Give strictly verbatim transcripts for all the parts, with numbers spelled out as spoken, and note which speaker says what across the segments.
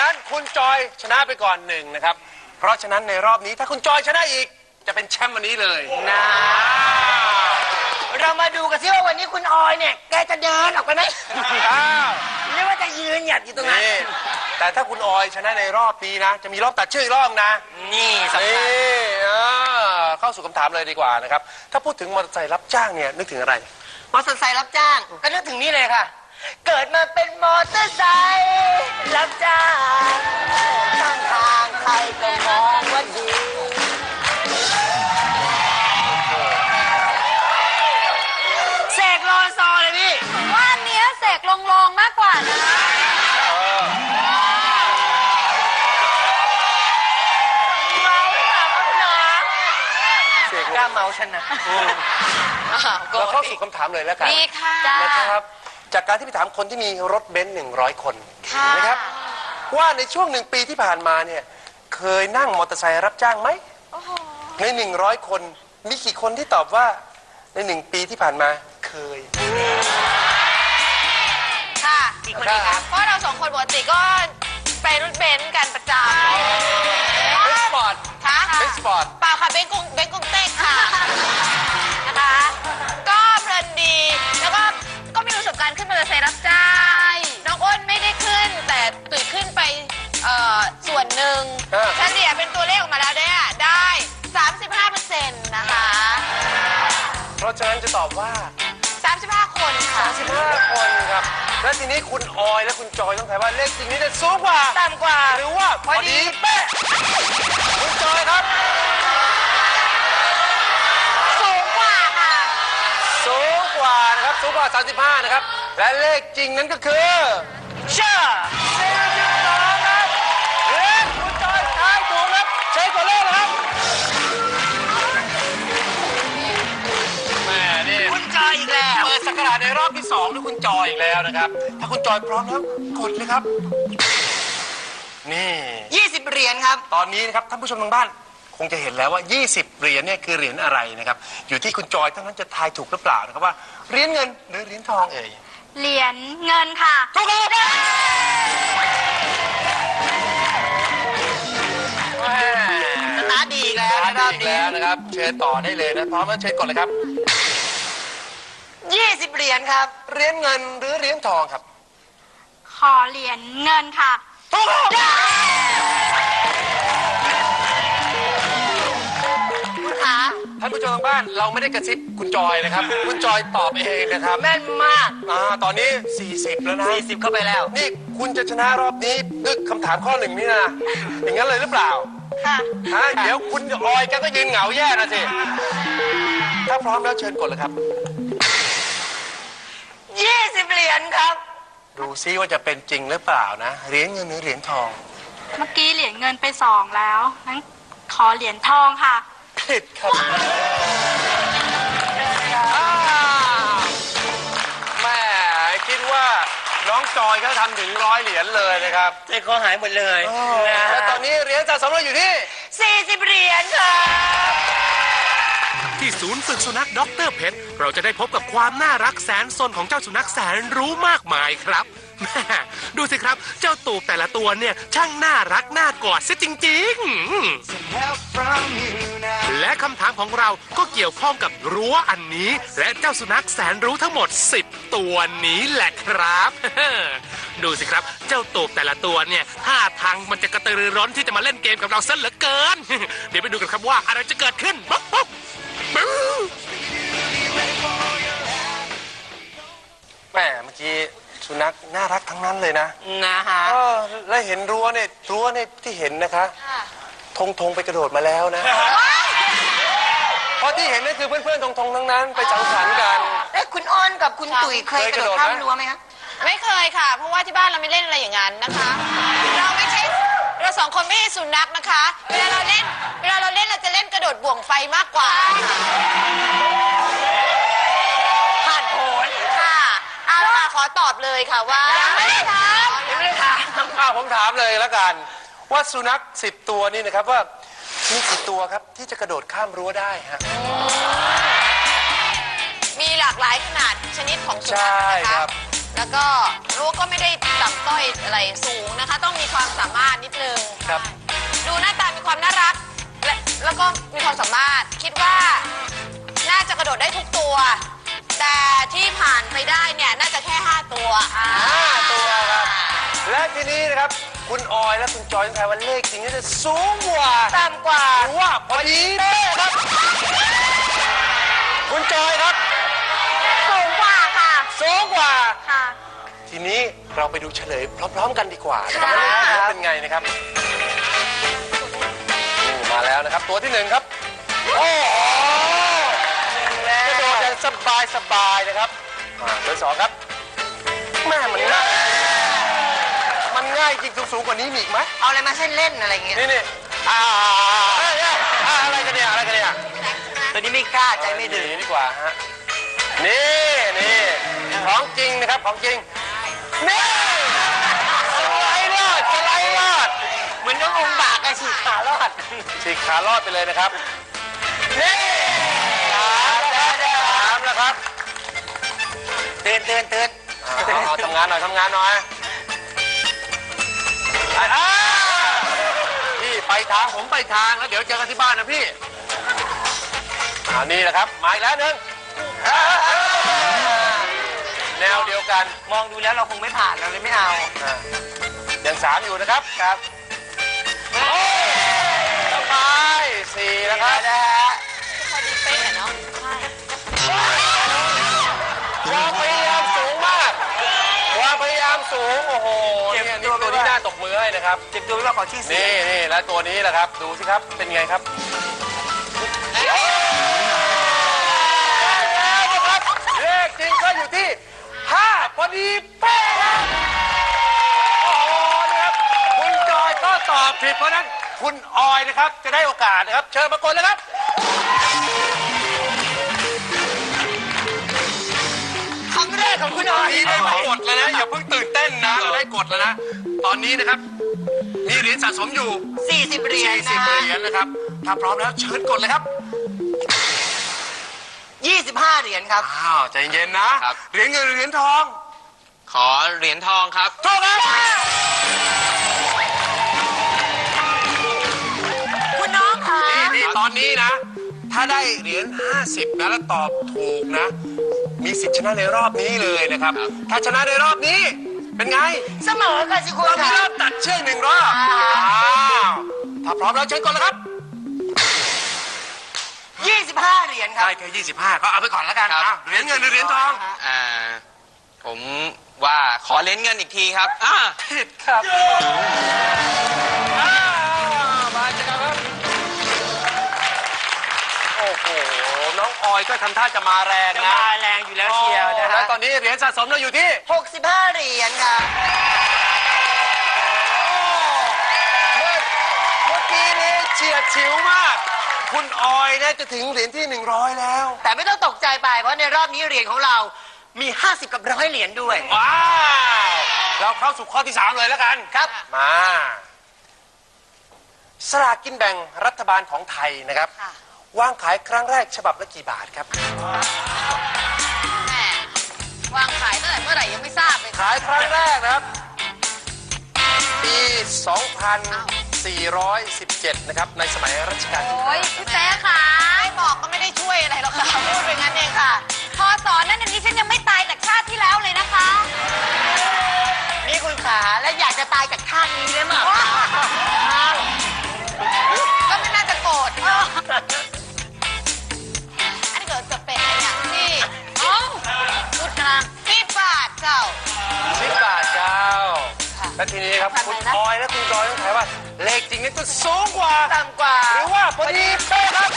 Speaker 1: นั้นคุณจอยชนะไปก่อนหนึ่งนะครับเพราะฉะนั้นในรอบนี้ถ้าคุณจอยชนะอีกจะเป็นแชมป์วันนี้เลยนะ
Speaker 2: เรามาดูกันซิว่าวันนี้คุณออยเนี่ยแกจะเดินออกไปไหมหรือว่าจะยืนหยัดอยู่ตรงนั้น
Speaker 1: แต่ถ้าคุณออยชนะในรอบนี้นะจะมีรอบตัดชื่ออีกรอบนะ
Speaker 2: นี่สำคัญ
Speaker 1: เข้าสู่คำถามเลยดีกว่านะครับถ้าพูดถึงมอเตอร์ไซค์รับจ้างเนี่ยนึกถึงอะไร
Speaker 2: มอเตอร์ไซค์รับจ้างก็นึกถึงนี่เลยค่ะเกิดมาเป็นมอเตอร์ไซค์รับจ้างข้างทางใครก็มองว่าดีเสกโลโซเลยพี่
Speaker 3: ว่าเนี้ยเสกลงลงมากกว่านะ
Speaker 2: เมาหรือเปล่าครับพี่น้องเสกกล้าเมาฉันนะ
Speaker 1: เราเข้าสู่คำถามเลยแล้วกัน
Speaker 3: ดีค่ะ
Speaker 1: นะครับจากการที่ไปถามคนที่มีรถเบนซ์หนึ่งร้อยคนนะครับว่าในช่วงหนึ่งปีที่ผ่านมาเนี่ยเคยนั่งมอเตอร์ไซค์รับจ้างไหมในหนึ่งร้อยคนมีกี่คนที่ตอบว่าในหนึ่งปีที่ผ่านมาเคย
Speaker 3: ค่ะอีกคนนึงครับเพราะเราสองคนปกติก็ไปรถเบนซ์กันประจำ
Speaker 1: เบนซ์สปอร์ต
Speaker 3: ค่ะ
Speaker 1: เบนซ์สปอร์ต
Speaker 3: เปล่าค่ะเบนซ์กุ้งเบนซ์กุ้งเต้งค่ะนะคะก็เพลินดีแล้วก็ก็มีประสบการณ์ขึ้นมอเตอร์ไซค์รับจ้างน้องอ้นไม่ได้ขึ้นแต่ตุ๋ยขึ้นไปส่วนหนึ่งเฉลี่ยเป็นตัวเลขออกมาแล้วเนี่ยได้ สามสิบห้าเปอร์เซ็นต์ นะคะ
Speaker 1: เพราะฉะนั้นจะตอบว่า
Speaker 3: สามสิบห้าคนค่ะ
Speaker 1: สามสิบห้าคนครับและทีนี้คุณออยและคุณจอยต้องทายว่าเลขจริงนี้จะสูงกว่า
Speaker 2: ต่ำกว่า
Speaker 1: หรือว่าพอดีเป๊ะคุณจอยครับ
Speaker 3: สูงกว่าค่ะ
Speaker 1: สูงกว่านะครับสูงกว่าสามสิบห้านะครับและเลขจริงนั้นก็คือ
Speaker 2: เชื่อ
Speaker 1: สี่สิบสองครับและคุณจอยทายถูกครับใช้ตัวเลขนะครับแม่นี่
Speaker 2: คุณจอยอีกแล้ว
Speaker 1: เปิดสักราชในรอบที่สองด้วยคุณจอยอีกแล้วนะครับถ้าคุณจอยพร้อมแล้วกดเลยครับนี่
Speaker 2: ยี่สิบเหรียญครับ
Speaker 1: ตอนนี้นะครับท่านผู้ชมทางบ้านคงจะเห็นแล้วว่ายี่สิบเหรียญเนี่ยคือเหรียญอะไรนะครับอยู่ที่คุณจอยเท่านั้นจะทายถูกหรือเปล่านะครับว่าเหรียญเงินหรือเหรียญทองเอ่ย
Speaker 3: เหรียญเงินค่ะ
Speaker 1: ถูกครับ
Speaker 2: สตาร์ทดีแล้ว
Speaker 1: สตาร์ทดีแล้วนะครับเชิญต่อได้เลยนะพร้อมแล้วเชิญกดเลยครับ
Speaker 2: ยี่สิบเหรียญครับ
Speaker 1: เหรียญเงินหรือเหรียญทองครับ
Speaker 3: ขอเหรียญเงินค่ะ
Speaker 1: ถูกครับ
Speaker 2: คุณขา
Speaker 1: ท่านผู้ชมทางบ้านเราไม่ได้กระซิบคุณจอยนะครับคุณจอยตอบเองนะครับ
Speaker 2: แม่นมาก
Speaker 1: อ่าตอนนี้สี่สิบแล้วนะ
Speaker 2: สี่สิบเข้าไปแล้ว
Speaker 1: นี่คุณจะชนะรอบนี้ด้วยคำถามข้อหนึ่งนี่นะอย่างนั้นเลยหรือเปล่า
Speaker 3: ค่ะ
Speaker 1: ฮะเดี๋ยวคุณออยแกก็ยืนเหงาแย่นะสิถ้าพร้อมแล้วเชิญกดเลยครับ
Speaker 2: ยี่สิบเหรียญครับ
Speaker 1: ดูซิว่าจะเป็นจริงหรือเปล่านะเหรียญเงินหรือเหรียญทอง
Speaker 3: เมื่อกี้เหรียญเงินไปสองแล้วงั้นขอเหรียญทองค่ะ
Speaker 1: ผิดครับแม่คิดว่าน้องจอยเขาทำถึงร้อยเหรียญเลยนะครับ
Speaker 2: ใจคอหายหมดเลย
Speaker 1: และตอนนี้เหรียญสะสมเราอยู่ที่
Speaker 2: สี่สิบเหรียญครับ
Speaker 4: ที่ศูนย์ฝึกสุนัขด็อกเตอร์เพชรเราจะได้พบกับความน่ารักแสนสนของเจ้าสุนัขแสนรู้มากมายครับแม่ดูสิครับเจ้าตูบแต่ละตัวเนี่ยช่างน่ารักน่ากอดซะจริงๆและคำถามของเราก็เกี่ยวข้องกับรั้วอันนี้และเจ้าสุนัขแสนรู้ทั้งหมดสิบตัวนี้แหละครับดูสิครับเจ้าตูบแต่ละตัวเนี่ยท่าทางมันจะกระตือรือร้นที่จะมาเล่นเกมกับเราซะเหลือเกินเดี๋ยวไปดูกันครับว่าอะไรจะเกิดขึ้นปุ๊บปุ๊บ
Speaker 1: แม่เมื่อกี้สุนัขน่ารักทั้งนั้นเลยนะ
Speaker 2: นะฮะ
Speaker 1: เออแล้วเห็นรั้วเนี่ยรั้วเนี่ยที่เห็นนะคะธงธงไปกระโดดมาแล้วนะเพราะที่เห็นนั่นคือเพื่อนๆธงธงทั้งนั้นไปสังสรรค์กัน
Speaker 2: เอ๊ะคุณอ้นกับคุณตุ๋ยเคยกระโดดข้ามรั้วไหมคะ
Speaker 3: ไม่เคยค่ะเพราะว่าที่บ้านเราไม่เล่นอะไรอย่างนั้นนะคะเราไม่ใช่เราสองคนไม่ใช่สุนัขนะคะเวลาเราเล่นเวลาเราเล่นเราจะเล่นกระโดดบ่วงไฟมากกว่า
Speaker 2: ผ่านผล
Speaker 3: ค่ะเอาล่ะขอตอบเลยค่ะว่า
Speaker 2: ยังไม่ได้ถามยังไม่ได้ถาม
Speaker 1: อ้าวผมถามเลยแล้วกันว่าสุนัขสิบตัวนี่นะครับว่ามีกี่ตัวครับที่จะกระโดดข้ามรั้วได้ฮะ
Speaker 3: มีหลากหลายขนาดชนิดของสุนัขนะคะแล้วก็รั้วก็ไม่ได้ต่ำต้อยอะไรสูงนะคะ ต้องมีความสามารถนิดนึง
Speaker 1: ครับ
Speaker 3: ดูหน้าตามีความน่ารักและแล้วก็มีความสามารถคิดว่าน่าจะกระโดดได้ทุกตัว แต่ที่ผ่านไปได้เนี่ยน่าจะแค่ห้าตัวอ่า
Speaker 1: ห้าตัวครับ และทีนี้นะครับคุณออยและคุณจอยต้องทายว่าเลขจริงๆจะสูงกว่า
Speaker 2: ต่ำกว่า
Speaker 1: หรือว่าพอดีเป๊ะครับ คุณจอยครับ
Speaker 3: สูงกว่าค่ะ
Speaker 1: สูงกว่า
Speaker 3: ค่ะ
Speaker 1: ทีนี้เราไปดูเฉลยพร้อม ๆ กันดีกว่านะครับว่าเลขจริงเป็นไงนะครับนี่มาแล้วนะครับ ตัวที่หนึ่งครับ โอ้โหกระโดดอย่างสบายสบายๆนะครับอ่าตัวที่สองครับแม่มันง่ายมันง่ายจริงสูงๆกว่านี้มีอีกไหม
Speaker 2: เอาอะไรมาเส้นเล่นอะไรเงี้ย
Speaker 1: นี่นี่อ่าเอ้ยเอ้ยอ่าอะไรกันเนี่ยอะไรกันเนี่ย
Speaker 2: ตัวนี้ไม่กล้าใจไม่ถึง
Speaker 1: นี่ดีกว่าฮะนี่นี่ของจริงนะครับของจริงนี่สไลด์รอดสไลด์รอด
Speaker 2: เหมือนน้ององค์บากไอ้ฉีกขารอด
Speaker 1: ฉีกขารอดไปเลยนะครับนี่สามแล้วสามแล้วครับ
Speaker 2: เตือนเตือนเตือน
Speaker 1: เอาเอาเอาทำงานหน่อยทำงานหน่อยอ่าพี่ไปทางผมไปทางแล้วเดี๋ยวเจอกันที่บ้านนะพี่อ่านี่แหละครับมาอีกแล้วหนึ่งอ่าแนวเดียวกัน
Speaker 2: มองดูแล้วเราคงไม่ผ่านเราเลยไม่เอา
Speaker 1: อ่ายังสามอยู่นะครับครับโอ้ยสบายสี่นะครับ
Speaker 2: นะฮะ
Speaker 3: พอดีเป๊ะอะเนาะใช่
Speaker 1: ความพยายามสูงมากความพยายามสูงโอ้โหเนี่ยนี่ตัวนี้น่าตกมือให้นะครับ
Speaker 2: เจ็บตัวไม่ว่าขอที่สี่
Speaker 1: นี่นี่แล้วตัวนี้แหละครับดูสิครับเป็นไงครับแล้วนะครับเลขจริงก็อยู่ที่ห้าพอดีเป๊ะครับโอ้โหนะครับคุณจอยก็ตอบผิดเพราะฉะนั้นคุณออยนะครับจะได้โอกาสนะครับเชิญมากดเลยครับ
Speaker 2: ครั้งแรกของคุณออย
Speaker 1: นี่ได้มากดแล้วนะอย่าเพิ่งตื่นเต้นนะเราได้กดแล้วนะตอนนี้นะครับมีเหรียญสะสมอยู่
Speaker 2: สี่สิบเหรียญ
Speaker 1: สี่สิ
Speaker 2: นะ
Speaker 1: บเหรียญนะครับถ้าพร้อมแล้วเชิญกดเลยครับ
Speaker 2: ยี่สิบห้าเหรียญครับ
Speaker 1: อ้าวใจเย็นนะครับ เหรียญเงินหรือเหรียญทอง
Speaker 5: ขอเหรียญทองครับ
Speaker 1: ถูกครับ
Speaker 3: คุณน้องค่ะ
Speaker 1: นี่นี่ตอนนี้นะ ถ้าได้เหรียญห้าสิบนะแล้วตอบถูกนะ มีสิทธิ์ชนะในรอบนี้เลยนะครับ ถ้าชนะในรอบนี้เป็นไง
Speaker 2: เสมอกันสิคุณ
Speaker 1: เรามี
Speaker 2: ค่ะ
Speaker 1: รอบตัดเชือกหนึ่งรอบอ้าวถ้าพร้อมแล้วเชิญก่อนเลยครับ
Speaker 2: ยี่สิบห้าเหรียญครับ
Speaker 1: ได้แค่ยี่สิบห้าก็เอาไปก่อนแล้วกัน
Speaker 5: ครับ
Speaker 1: อ่ะเหรียญเงินหรือเหรียญทอง
Speaker 5: อ่า ผมว่าขอเหรียญเงินอีกทีครับอ่า
Speaker 1: ผิดครับอ้าวมาเจอกันครับ โอ้โห น้องออยก็ทำท่าจะมาแรง
Speaker 2: จะ
Speaker 1: นะ
Speaker 2: มาแรงอยู่แล้วเชียวนะ
Speaker 1: แล้
Speaker 2: ฮะ
Speaker 1: วตอนนี้เหรียญสะสมเราอยู่ที่
Speaker 2: หกสิบห้าเหรียญครับ
Speaker 1: เมื่อเมื่อกี้นี้เฉียดฉิวมาก คุณออยเนี่ยจะถึงเหรียญที่หนึ่งร้อยแล้ว
Speaker 2: แต่ไม่ต้องตกใจไปเพราะในรอบนี้เหรียญของเรามีห้าสิบกับร้อยเหรียญด้วย
Speaker 1: ว้าว เราเข้าสู่ข้อที่สามเลยแล้วกัน
Speaker 2: ครับ
Speaker 1: มาสลากกินแบ่งรัฐบาลของไทยนะครับ
Speaker 3: ค่ะ
Speaker 1: วางขายครั้งแรกฉบับละกี่บาทครับ
Speaker 3: แหมวางขายตั้งแต่เมื่อไหร่ยังไม่ทราบเลย
Speaker 1: ขายครั้งแรกนะครับ ปี สองพันสี่ร้อยสิบเจ็ด นะครับ ในสมัยรัชกาลที่
Speaker 3: โอ้ยพี่แป๊ะค่ะไม่บอกก็ไม่ได้ช่วยอะไรหรอกค่ะพูดไปงั้นเองค่ะ พอสอนนั่นอันนี้ฉันยังไม่ตายจากชาติที่แล้วเลยนะคะ
Speaker 2: นี่คุณขาและอยากจะตายจากท่านี้เลยมั้ง
Speaker 3: ก็ไม่น่าจะโกรธเอออันนี้เกิดจะเป็นอะไรอย่างที่เอ้าสุดกลางสิบบาทเจ้า
Speaker 1: สิบบาทเจ้า
Speaker 3: ค่ะ
Speaker 1: และทีนี้ครับ
Speaker 3: พัน
Speaker 1: คุณ
Speaker 3: ไหนนะ
Speaker 1: ออยและคุณจอยต้องถามว่า เลขจริงนี่จะสูงกว่า
Speaker 2: ต่ำกว่า
Speaker 1: หรือว่าพอดีเป๊ะครับ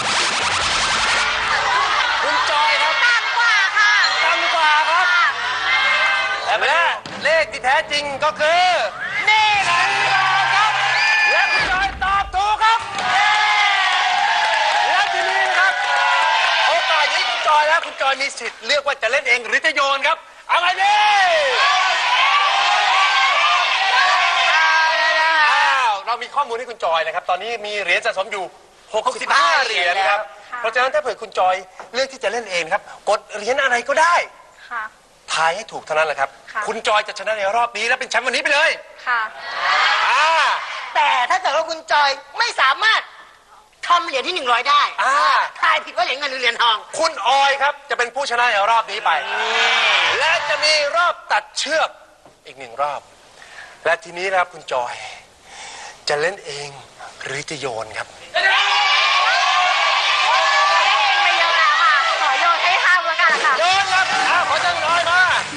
Speaker 1: คุณจอยครับ
Speaker 3: ต่ำกว่าค่ะ
Speaker 1: ต่ำกว่าครับและเลขที่แท้จริงก็คือ นี่แหละครับและคุณจอยตอบถูกครับและทีนี้นะครับโอกาสนี้คุณจอยแล้วคุณจอยมีสิทธิ์เลือกว่าจะเล่นเองหรือจะโยนครับเอาไงดีอ้าวเรามีข้อมูลให้คุณจอยนะครับ ตอนนี้มีเหรียญสะสมอยู่หกสิบห้าเหรียญครับเพราะฉะนั้นถ้าเผื่อคุณจอยเลือกที่จะเล่นเองครับกดเหรียญอะไรก็ได้
Speaker 3: ค่ะ
Speaker 1: ทายให้ถูกเท่านั้นแหละครับ
Speaker 3: ค่ะ
Speaker 1: คุณจอยจะชนะในรอบนี้และเป็นแชมป์วันนี้ไปเลย
Speaker 3: ค่ะ
Speaker 1: อ่า
Speaker 2: แต่ถ้าเกิดว่าคุณจอยไม่สามารถทำเหรียญที่หนึ่งร้อยได้
Speaker 1: อ่า
Speaker 2: ทายผิดว่าเหรียญเงินหรือเหรียญทอง
Speaker 1: คุณออยครับจะเป็นผู้ชนะในรอบนี้ไป และจะมีรอบตัดเชือกอีกหนึ่งรอบ และทีนี้นะครับคุณจอย จะเล่นเองหรือจะโยนครับ
Speaker 3: ไม่เยอะแล้วค่ะ ขอโยนให้ห้ามแล้วกันค่ะ
Speaker 1: โยนครับอ้าวขอจังน้อยมา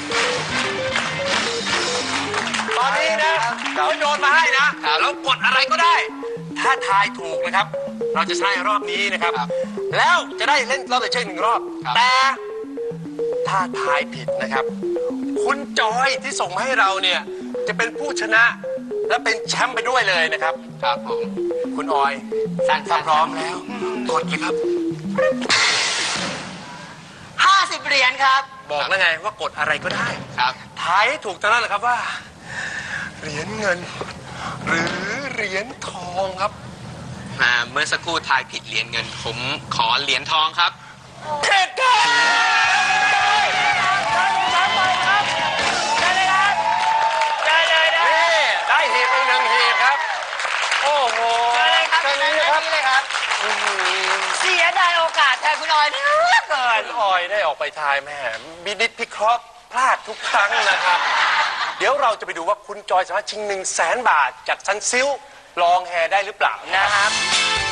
Speaker 1: ตอนนี้นะเขาโยนมาให้นะแล้วกดอะไรก็ได้ ถ้าทายถูกนะครับ เราจะใช้รอบนี้นะครับ แล้วจะได้เล่นรอบตัดเชือกหนึ่งรอบ แต่ถ้าทายผิดนะครับ คุณจอยที่ส่งมาให้เราเนี่ยจะเป็นผู้ชนะและเป็นแชมป์ไปด้วยเลยนะครับ
Speaker 5: ครับผม
Speaker 1: คุณออย
Speaker 5: สั่ง
Speaker 1: ถ้าพร้อมแล้วกดเลยครับ
Speaker 2: ห้าสิบเหรียญครับ
Speaker 1: บอกแล้วไงว่ากดอะไรก็ได้
Speaker 5: ครับ
Speaker 1: ทายให้ถูกเท่านั้นแหละครับว่า เหรียญเงิน หรือเหรียญทองครับ
Speaker 5: อ่าเมื่อสักครู่ทายผิดเหรียญเงิน ผมขอเหรียญทองครับ
Speaker 1: เผ็ดครับนี่ได้หีบไปหนึ่งหีบครับ โอ้โห
Speaker 2: เชิญเลยครับ
Speaker 1: เชิญเลย
Speaker 2: เชิญ
Speaker 1: ครับ
Speaker 2: เลยครับ
Speaker 1: อื้อหือ
Speaker 2: เสียดายโอกาสแทนคุณออยเหลือเกิน
Speaker 1: คุณออยได้ออกไปทายแม่บินิดพิเคราะห์พลาดทุกครั้งนะครับ เดี๋ยวเราจะไปดูว่าคุณจอยสามารถชิงหนึ่งแสนบาทจากซันซิลลองแฮได้หรือเปล่า
Speaker 2: นะครับ
Speaker 1: ค